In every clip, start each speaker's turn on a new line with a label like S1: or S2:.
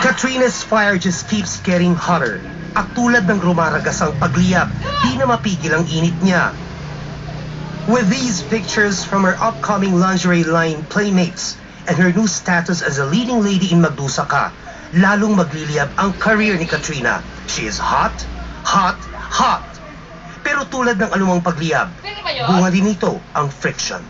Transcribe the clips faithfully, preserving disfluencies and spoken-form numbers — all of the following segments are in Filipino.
S1: Katrina's fire just keeps getting hotter. At tulad ng rumaragas ang pagliyab, di na mapigil ang init niya. With these pictures from her upcoming lingerie line Playmates and her new status as a leading lady in Magdusaka, lalong magliliyab ang career ni Katrina. She is hot, hot, hot. Pero tulad ng anumang pagliyab, bunga din ito ang friction.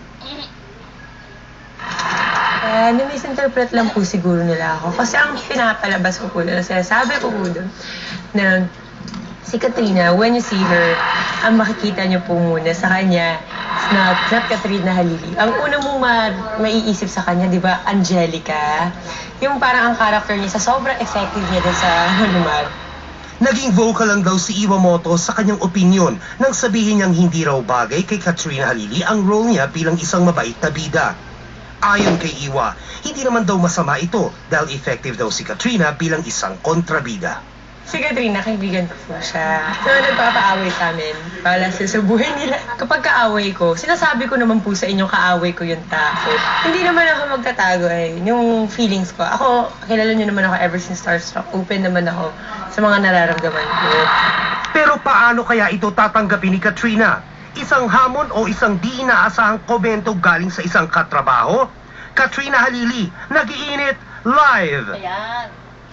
S2: Uh, na-misinterpret lang po siguro nila ako. Kasi ang pinapalabas ko po nila, sabi ko po doon, na si Katrina, when you see her, ang makikita niyo po muna sa kanya, na not Katrina Halili. Ang una mong ma maiisip sa kanya, di ba, Angelica. Yung parang ang character niya, sa sobrang effective niya din sa Manumar.
S1: Naging vocal lang daw si Iwamoto sa kanyang opinyon nang sabihin niyang hindi raw bagay kay Katrina Halili ang role niya bilang isang mabait na bida. Ayon kay Iwa, hindi naman daw masama ito dahil effective daw si Katrina bilang isang kontrabida.
S2: Si Katrina, kaibigan ko po siya. So, nagpapaaway sa amin para sa, sa buhay nila. Kapag kaaway ko, sinasabi ko naman po sa inyo kaaway ko yung tao. Hindi naman ako magtatago eh, yung feelings ko. Ako, kilala niyo naman ako ever since Starstruck. Open naman ako sa mga nararamdaman ko.
S1: Pero paano kaya ito tatanggapin ni Katrina? Isang hamon o isang di inaasahang komento galing sa isang katrabaho? Katrina Halili, nag-iinit live!
S3: Ayan.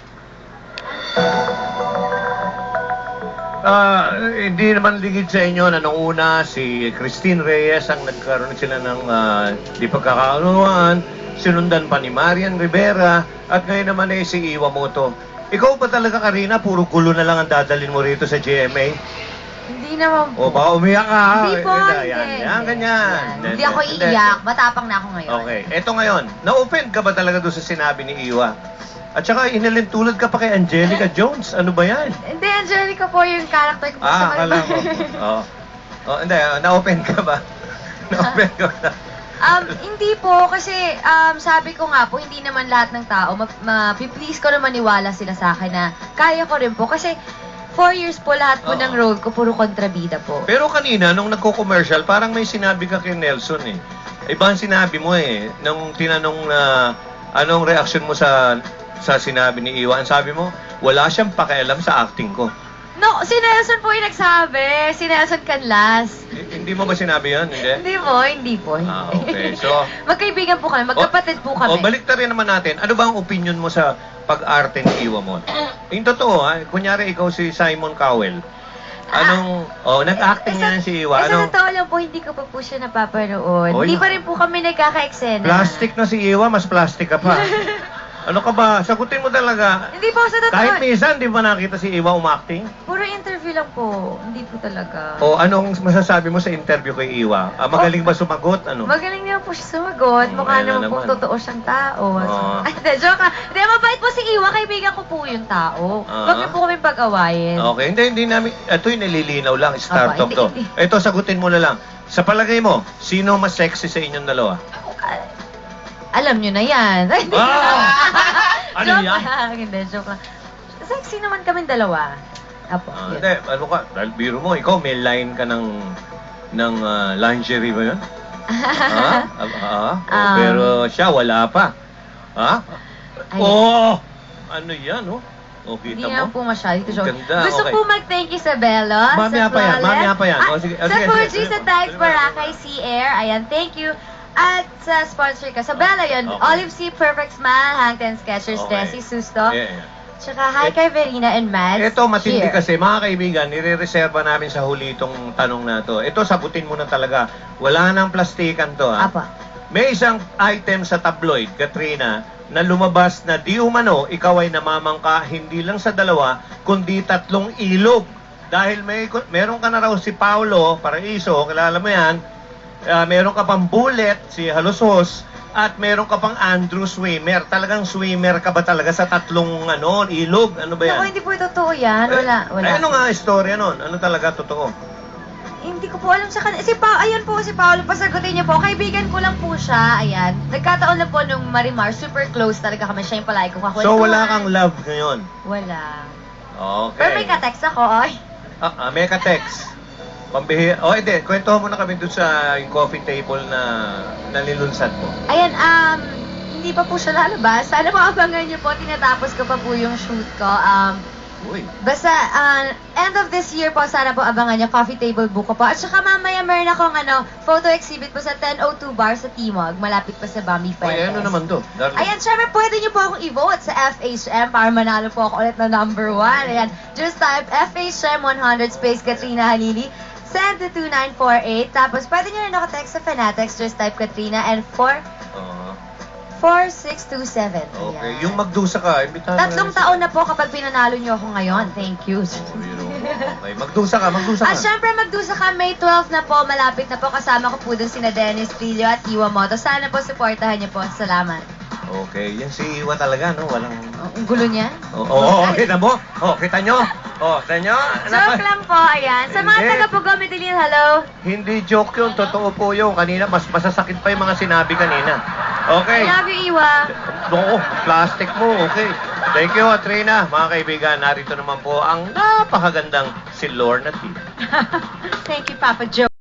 S4: Uh, hindi naman ligid sa inyo na nung una si Christine Reyes ang nagkaroon sila ng uh, di pagkakaunawaan, sinundan pa ni Marian Rivera at ngayon naman eh si Iwamoto. Ikaw pa talaga, Karina, puro gulo na lang ang dadalhin mo rito sa G M A?
S3: Hindi naman po.
S4: O baka umiyak ka.
S3: Hindi po,
S4: Yan,
S3: hindi.
S4: yan, yan, ganyan.
S3: Yan. Hindi ako iiyak. Matapang na ako ngayon.
S4: Okay. Eto ngayon, na-offend ka ba talaga doon sa sinabi ni Iwa? At saka inalintulad ka pa kay Angelica Jones. Ano ba yan?
S3: Hindi, Angelica po yung character ko po sa
S4: Ah,
S3: Manumar.
S4: akala ko. Oo. Oh, hindi, uh, na-offend ka ba? Na-offend ka ba?
S3: Um, hindi po, kasi um, sabi ko nga po, hindi naman lahat ng tao, ma-please ko na maniwala sila sa akin na kaya ko rin po. Kasi four years po lahat po
S4: Oo.
S3: ng role ko, puro kontrabida po.
S4: Pero kanina, nung nagko-commercial, parang may sinabi ka kay Nelson eh. Iba ang sinabi mo eh. Nung tinanong na anong reaction mo sa sa sinabi ni Iwa, ang sabi mo, wala siyang pakialam sa acting ko.
S3: No, si Nelson po yung nagsabi. Si Nelson Canlas.
S4: H- hindi mo ba sinabi yun? Hindi?
S3: Hindi po, hindi po. Hindi.
S4: Ah, okay. So,
S3: magkaibigan po kami, magkapatid po kami.
S4: O, balik rin naman natin. Ano ba ang opinion mo sa pag-arte ni Iwa mo? Yung totoo, ha? Kunyari ikaw si Simon Cowell. Anong, oh, nag-acting
S3: Eh, sa-
S4: yan si Iwa.
S3: Eh, sa
S4: Anong,
S3: totoo lang po, hindi ko pa po siya napapanood.
S4: Oy.
S3: Hindi pa rin po kami nagkaka-eksena.
S4: plastic na si Iwa, mas plastic ka pa. Ano ka ba? Sagutin mo talaga.
S3: Hindi po, sa totoo.
S4: Kahit minsan, di ba nakita si Iwa umacting?
S3: Puro interview lang po. Hindi po talaga.
S4: O anong masasabi mo sa interview kay Iwa? Ah, magaling ba sumagot? Ano?
S3: Magaling naman po siya sumagot.
S4: Oh,
S3: Mukha
S4: ayan na
S3: naman po
S4: naman.
S3: totoo siyang tao.
S4: Oh.
S3: Ay, hindi, joke ka. Hindi, mabait po si Iwa. Kaibigan ko po yung tao.
S4: Ah.
S3: Huwag niyo po kami pag-awayin.
S4: Okay, hindi, hindi namin, ito yung nililinaw lang, start
S3: Aba,
S4: up
S3: hindi,
S4: to.
S3: hindi.
S4: Ito, sagutin mo na lang. Sa palagay mo, sino mas sexy sa inyong dalawa?
S3: Ah, alam niyo na yan.
S4: Ah! Ano
S3: Joke
S4: yan?
S3: lang. Hindi, joke lang. Sexy naman kami dalawa. Apo.
S4: Ah,
S3: yun.
S4: hindi, ano ka, dahil biro mo, ikaw may line ka ng, ng ah, lingerie ba yun? ha? Ah, ah,
S3: Um,
S4: pero siya, wala pa. Ha?
S3: Ay.
S4: Oh! Ano yan, oh? O,
S3: Hindi
S4: kita
S3: naman
S4: mo?
S3: po masyado. Ito, joke.
S4: Ganda,
S3: Gusto
S4: okay.
S3: po mag-thank you sa Bella.
S4: Mamaya
S3: sa
S4: pa yan,
S3: Flawless.
S4: mamaya pa yan.
S3: Ah,
S4: O, sige, o,
S3: sa
S4: sige,
S3: Fuji,
S4: sige,
S3: sa
S4: sige.
S3: Tags
S4: Sige,
S3: Boracay, Sea Air. Ayan, thank you. At sa sponsor ka, sa Bella yun.
S4: Okay.
S3: Olive Sea, Perfect Smile, Hang Ten Skechers,
S4: Okay.
S3: Desi, Susto.
S4: Yeah, yeah.
S3: Tsaka hi kay Verena and Mads.
S4: Ito, matindi
S3: Cheer.
S4: kasi, mga kaibigan, nire-reserva namin sa huli itong tanong na to. Ito, sagutin mo na talaga. Wala nang plastikan to, ha?
S3: Apa.
S4: May isang item sa tabloid, Katrina, na lumabas na di umano, ikaw ay namamangka hindi lang sa dalawa, kundi tatlong ilog. Dahil may meron ka na raw si Paolo Paraiso, kilala mo yan, uh, meron ka pang Bullet, si Halosos, at meron ka pang Andrew Swimmer. Talagang swimmer ka ba talaga sa tatlong ano, ilog? Ano ba yan?
S3: Ako, hindi po totoo yan. Wala, wala.
S4: Eh, ano nga istorya nun? Ano talaga totoo?
S3: Hindi ko po alam sa kanila. Si pa Ayan po si Paolo, pasagutin niyo po. Kaibigan ko lang po siya. Ayan. Nagkataon lang po nung Marimar, super close talaga kami. Siya yung palagi ko kakulit.
S4: So, wala kang love ngayon?
S3: Wala.
S4: Okay.
S3: Pero may ka-text ako, oy.
S4: Ah, ah, may ka-text. Pambihi... Oh, hindi. Kwentuhan mo na kami doon sa yung coffee table na nalilunsad mo.
S3: Ayan, um, hindi pa po siya lalabas. Sana po abangan niyo po. Tinatapos ko pa po yung shoot ko. Um,
S4: Uy.
S3: Basta, uh, end of this year po, sana po abangan niyo, coffee table book ko po. At saka mamaya meron akong ano, photo exhibit po sa ten oh two Bar sa Timog, malapit pa sa Bambi
S4: Uy,
S3: Fuentes.
S4: ano naman to? Darling.
S3: Ayan, syempre pwede niyo po akong i-vote sa F H M para manalo po ako ulit na number one. Ayan, just type F H M one hundred space Katrina Halili. Send to two nine four eight. Tapos pwede niyo rin ako text sa Fanatics, just type Katrina and four
S4: Ah,
S3: four six two seven.
S4: okay. Yung magdusa ka, imbitahan mo
S3: Tatlong
S4: na
S3: taon na po kapag pinanalo niyo ako ngayon. Thank you.
S4: Oh, you know. Okay, magdusa ka, magdusa ka.
S3: At syempre, magdusa ka, May twelfth na po, malapit na po. Kasama ko po dun sina Dennis Trillo at Iwa Moto. Sana po, supportahan niyo po. Salamat.
S4: Okay, yan si Iwa talaga, no? Walang...
S3: Oh, ang gulo niya.
S4: Oo, oh, oh, kita mo? Oh, kita nyo? Oh, kita nyo?
S3: Joke lang po, ayan. Sa mga
S4: Hindi.
S3: taga Pugo, Medellin, hello.
S4: Hindi joke yun, totoo po yun. Kanina, mas masasakit pa yung mga sinabi kanina. Okay.
S3: I love you, Iwa.
S4: Oo, plastic mo, okay. Thank you, Katrina. Mga kaibigan, narito naman po ang napakagandang si Lorna T.
S3: Thank you, Papa Joe.